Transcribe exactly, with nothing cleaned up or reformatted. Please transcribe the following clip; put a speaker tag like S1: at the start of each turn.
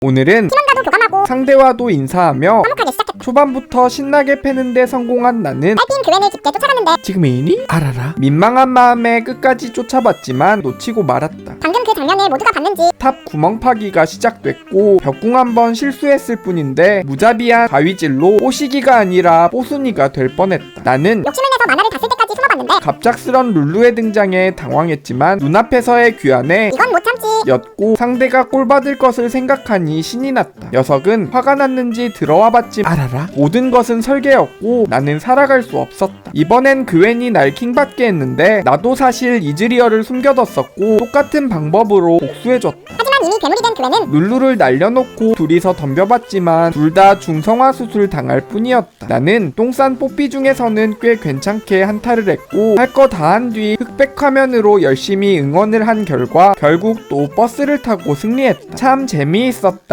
S1: 오늘은
S2: 팀원과도 교감하고
S1: 상대와도 인사하며
S2: 화목하게 시작했다.
S1: 초반부터 신나게 패는데 성공한 나는
S2: 딸피인 그웬을 깊게 쫓아갔는데
S1: 지금이니? 알아라. 민망한 마음에 끝까지 쫓아봤지만 놓치고 말았다.
S2: 방금 그 장면을 모두가 봤는지
S1: 탑 구멍 파기가 시작됐고 벽궁 한번 실수했을 뿐인데 무자비한 가위질로 뽀시기가 아니라 뽀순이가 될 뻔했다. 나는
S2: 욕심을 내서 만화를 다 쓸 때까지 숨어봤는데
S1: 갑작스런 룰루의 등장에 당황했지만 눈앞에서의 귀환에
S2: 이건 못 참지.
S1: 였고 상대가 꼴받을 것을 생각하니 신이 났다. 녀석은 화가 났는지 들어와봤지 알아라. 모든 것은 설계였고 나는 살아갈 수 없었다. 이번엔 그웬이 날 킹받게 했는데 나도 사실 이즈리얼을 숨겨뒀었고 똑같은 방법으로 복수해줬다.
S2: 하지만 이미 괴물이 된 그웬은
S1: 룰루를 날려놓고 둘이서 덤벼봤지만 둘 다 중성화 수술 당할 뿐이었다. 나는 똥싼 뽀삐 중에서는 꽤 괜찮게 한타를 했고 할 거 다 한 뒤 흑백 화면으로 열심히 응원을 한 결과 결국 또 버스를 타고 승리했다. 참 재미있었다.